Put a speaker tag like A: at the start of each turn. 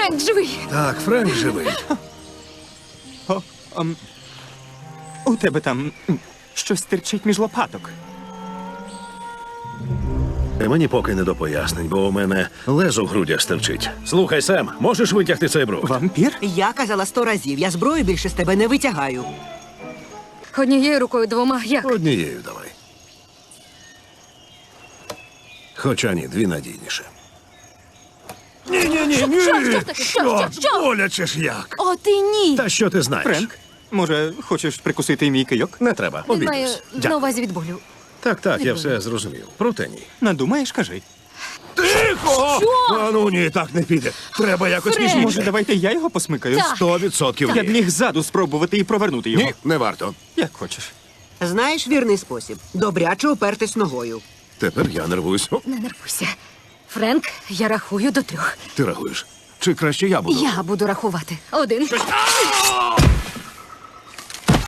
A: Френк живий!
B: Так, Френк живий.
C: У тебе там щось стирчить між лопаток.
B: Мені поки не до пояснень, бо у мене лезо в грудях стерчить. Слухай, Сем, можеш витягти цей бруд?
C: Вампір?
D: Я казала 100 разів, я зброю більше з тебе не витягаю.
A: Однією рукою, двома. Як?
B: Однією давай. Хоча ні, дві надійніше. Ні.
A: Що таке? Що?
B: Боляче ж як.
A: О, ти ні!
B: Та що ти знаєш?
C: Френк, може, хочеш прикусити мій кийок?
B: Не треба,
A: Він має
B: обійдусь.
A: на
B: Дякую.
A: увазі від болю.
B: Так, я все зрозумів. Проте ні.
C: Надумаєш, кажи.
B: Тихо! А ну ні, так не піде. Треба якось
A: Френк!
B: ніжніше.
C: Може, давайте я його посмикаю?
A: Так.
B: 100%
C: Я б
B: ні.
C: міг ззаду спробувати і провернути його.
B: Ні, не варто.
C: Як хочеш.
D: Знаєш вірний спосіб? Добряче опертись ногою.
B: Тепер я нервуюсь. О,
A: Не нервуйся. Френк, я рахую до 3.
B: ти рахуєш? Чи краще я буду?
A: Я буду рахувати. 1,